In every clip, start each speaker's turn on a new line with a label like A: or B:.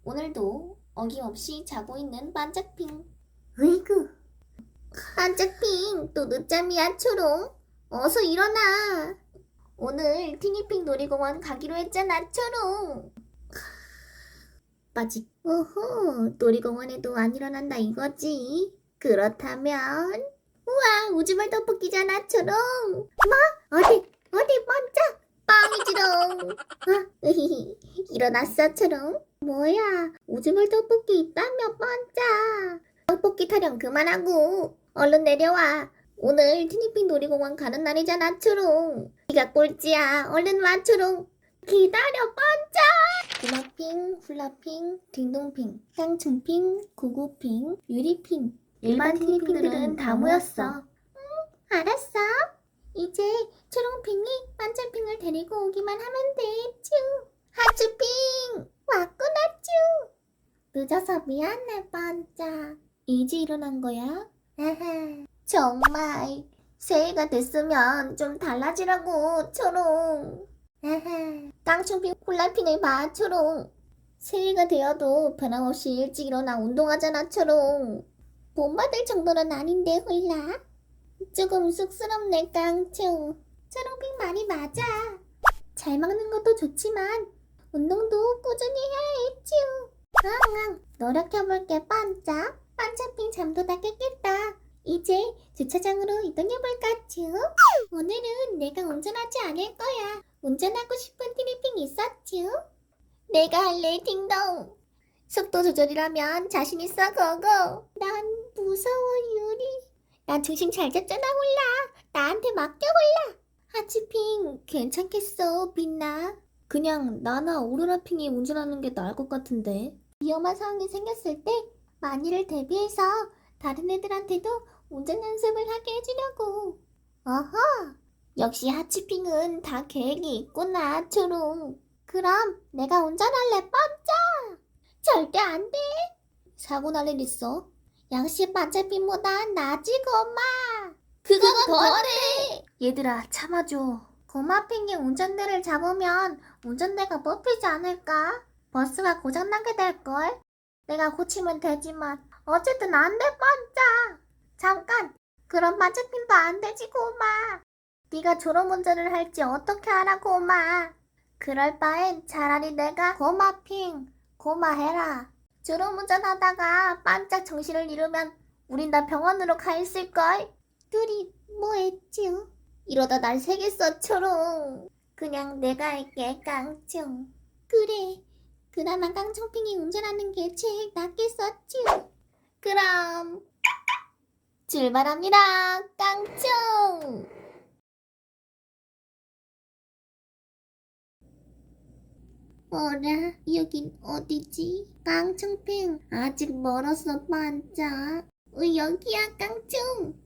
A: 오늘도 어김없이 자고 있는 반짝핑.
B: 으이구, 반짝핑, 또 늦잠이야, 초롱. 어서 일어나.
A: 오늘 티니핑 놀이공원 가기로 했잖아, 초롱.
B: 빠직. 오호, 놀이공원에도 안 일어난다 이거지. 그렇다면, 우와, 우주말 떡볶이잖아, 초롱. 뭐? 어디 번쩍? 뻥이지롱. 으히히, 일어났어, 초롱. 뭐야, 우주말 떡볶이 있다며, 번쩍. 떡볶이 타령 그만하고, 얼른 내려와. 오늘 티니핑 놀이공원 가는 날이잖아, 초롱. 네가 꼴찌야. 얼른 와, 초롱. 기다려, 번쩍.
A: 구마핑, 훌라핑, 딩동핑, 깡충핑, 구구핑, 유리핑. 일반 티니핑들은 다 모였어.
B: 알았어. 이제 초롱핑이 반짝핑을 데리고 오기만 하면 돼, 쭈. 하츄핑, 왔구나, 쭈. 늦어서 미안해, 반짝.
A: 이제 일어난 거야?
B: 아하, 정말 새해가 됐으면 좀 달라지라고, 초롱. 아하, 깡충핑 콜라핑을 봐, 초롱. 새해가 되어도 변함없이 일찍 일어나 운동하잖아, 초롱. 본받을 정도는 아닌데, 홀라. 조금 쑥스럽네, 깡충. 초롱핑 말이 맞아. 잘 먹는 것도 좋지만 운동도 꾸준히 해야 해, 쭈. 응응, 노력해볼게, 반짝. 반짝핑 잠도 다 깼겠다. 이제 주차장으로 이동해볼까, 쭈? 오늘은 내가 운전하지 않을 거야. 운전하고 싶은 티니핑 있었쥬? 내가 할래, 딩동. 속도 조절이라면 자신 있어, 고고. 난 무서워, 유리. 난 중심 잘 잡잖아, 홀라. 나한테 맡겨, 홀라. 하츄핑, 괜찮겠어, 빛나.
A: 그냥 나나 오로라핑이 운전하는 게 나을 것 같은데.
B: 위험한 상황이 생겼을 때 만일을 대비해서 다른 애들한테도 운전 연습을 하게 해주려고. 어허, 역시 하츄핑은 다 계획이 있구나, 초롱. 그럼 내가 운전할래, 번쩍. 절대 안 돼.
A: 사고 날 일 있어?
B: 역시 반짝핑보다 나지, 고마.
A: 그건
B: 더해.
A: 얘들아, 참아줘.
B: 고마핑이 운전대를 잡으면 운전대가 뽑히지 않을까? 버스가 고장나게 될걸? 내가 고치면 되지만 어쨌든 안 돼, 번쩍. 잠깐, 그럼 반짝핑도 안 되지, 고마. 네가 졸음운전을 할지 어떻게 알아, 고마. 그럴 바엔 차라리 내가 고마핑, 고마해라. 졸음운전하다가 반짝 정신을 잃으면 우린 다 병원으로 가 있을걸? 둘이 뭐 했쥬? 이러다 날 새겠어, 초롱. 그냥 내가 할게, 깡충. 그래, 그나마 깡충핑이 운전하는 게 제일 낫겠었쥬. 그럼 출발합니다, 깡충. 어라, 여긴 어디지? 깡충핑, 아직 멀었어, 반짝. 여기야, 깡충.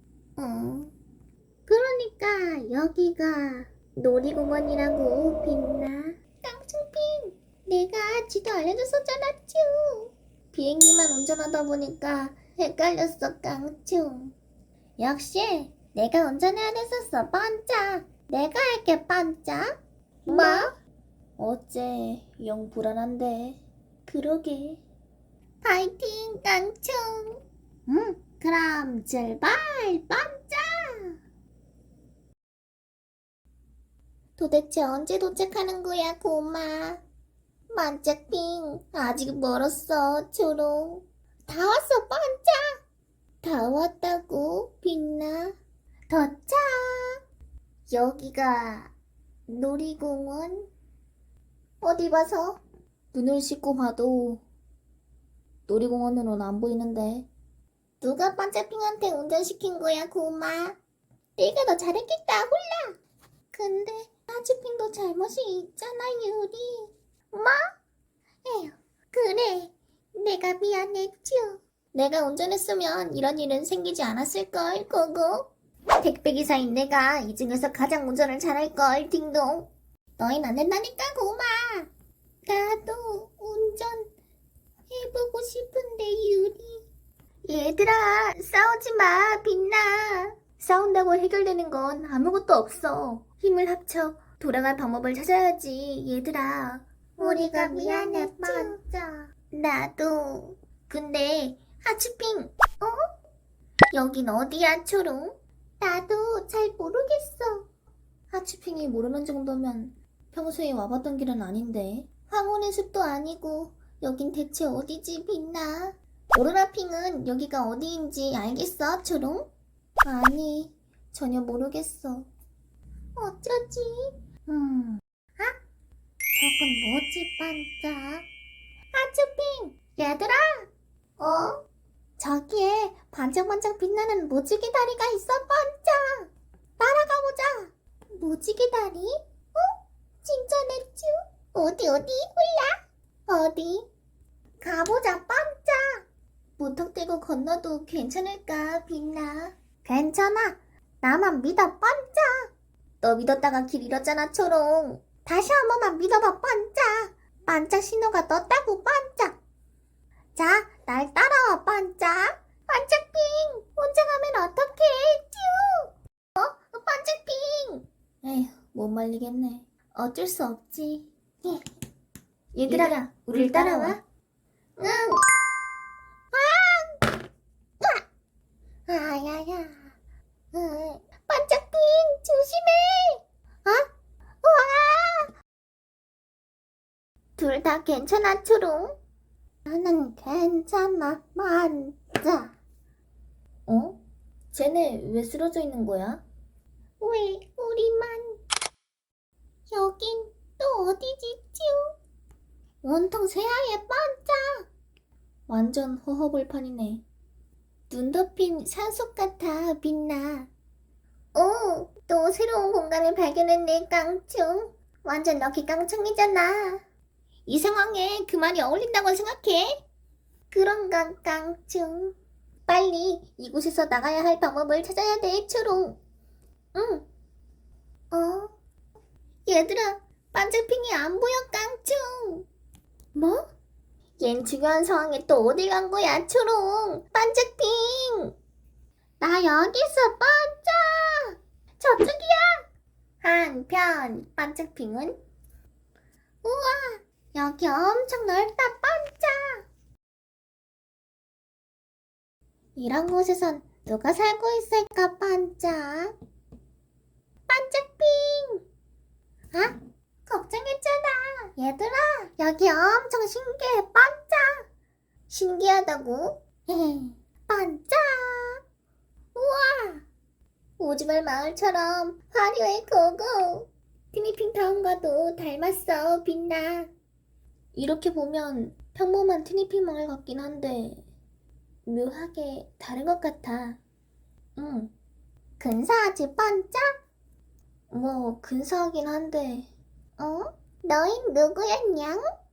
B: 그러니까 여기가 놀이공원이라고, 빛나. 깡충핑, 내가 지도 알려줬었잖아, 쭈. 비행기만 운전하다 보니까 헷갈렸어, 깡충. 역시 내가 운전해야 됐었어, 반짝. 내가 할게, 반짝. 뭐?
A: 어째 영 불안한데.
B: 그러게. 파이팅, 깡충. 그럼 출발, 반짝. 도대체 언제 도착하는 거야, 고마? 반짝핑, 아직 멀었어, 초롱. 다 왔어, 반짝. 다 왔다고, 빛나. 도착. 여기가 놀이공원? 어디 봐서?
A: 눈을 씻고 봐도 놀이공원으로는 안 보이는데.
B: 누가 반짝핑한테 운전시킨 거야, 고마? 내가 더 잘했겠다, 홀라. 근데 하츄핑도 잘못이 있잖아, 유리. 뭐? 에휴, 그래. 내가 미안했쥬. 내가 운전했으면 이런 일은 생기지 않았을걸, 고고. 택배기사인 내가 이 중에서 가장 운전을 잘할걸, 딩동. 너흰 안 된다니까, 고마. 나도 운전 해보고 싶은데, 유리. 얘들아, 싸우지 마, 빛나.
A: 싸운다고 해결되는 건 아무것도 없어. 힘을 합쳐 돌아갈 방법을 찾아야지, 얘들아.
B: 우리가 미안해, 반짝. 나도. 근데 하츄핑, 여긴 어디야, 초롱? 나도 잘 모르겠어.
A: 하츄핑이 모르는 정도면 평소에 와봤던 길은 아닌데.
B: 황혼의 숲도 아니고 여긴 대체 어디지, 빛나? 오로라핑은 여기가 어디인지 알겠어, 초롱?
A: 아니, 전혀 모르겠어.
B: 어쩌지? 저건 뭐지, 반짝? 하츄핑! 얘들아! 저기에 반짝반짝 빛나는 무지개 다리가 있어, 반짝! 따라가보자! 무지개 다리? 진짜 냈쥬? 어디, 몰라? 어디? 가보자, 반짝! 무턱대고 건너도 괜찮을까, 빛나? 괜찮아. 나만 믿어, 반짝! 너 믿었다가 길 잃었잖아, 초롱. 다시 한 번만 믿어봐, 반짝! 반짝 신호가 떴다고, 반짝! 자, 날 따라와, 반짝! 반짝핑! 혼자 가면 어떡해, 쭈! 반짝핑!
A: 에휴, 못 말리겠네.
B: 어쩔 수 없지.
A: 얘들아, 우릴 따라와.
B: 응! 아야야. 반짝핑, 조심해! 와! 둘 다 괜찮아, 초롱? 나는 괜찮아, 반짝.
A: 쟤네 왜 쓰러져 있는 거야?
B: 왜 우리만? 여긴 또 어디지, 쭈? 온통 새하얘, 반짝.
A: 완전 허허벌판이네.
B: 눈 덮인 산속 같아, 빛나. 또 새로운 공간을 발견했네, 깡충. 완전 럭키 깡충이잖아. 이 상황에 그 말이 어울린다고 생각해? 그런가, 깡충. 빨리 이곳에서 나가야 할 방법을 찾아야 돼, 초롱. 응. 얘들아, 반짝핑이 안 보여, 깡충. 뭐? 얜 중요한 상황에 또 어디 간 거야, 초롱? 반짝핑! 나 여기 있어, 반짝! 저쪽이야! 한편, 반짝핑은? 우와, 여기 엄청 넓다, 반짝! 이런 곳에선 누가 살고 있을까, 반짝? 반짝핑! 아? 걱정했잖아. 얘들아, 여기 엄청 신기해, 반짝. 신기하다고? 반짝. 우와, 오지말 마을처럼 화려해, 고고. 티니핑 타운과도 닮았어, 빛나.
A: 이렇게 보면 평범한 티니핑 마을 같긴 한데 묘하게 다른 것 같아.
B: 근사하지, 반짝?
A: 뭐 근사하긴 한데
B: 너흰 누구였냐?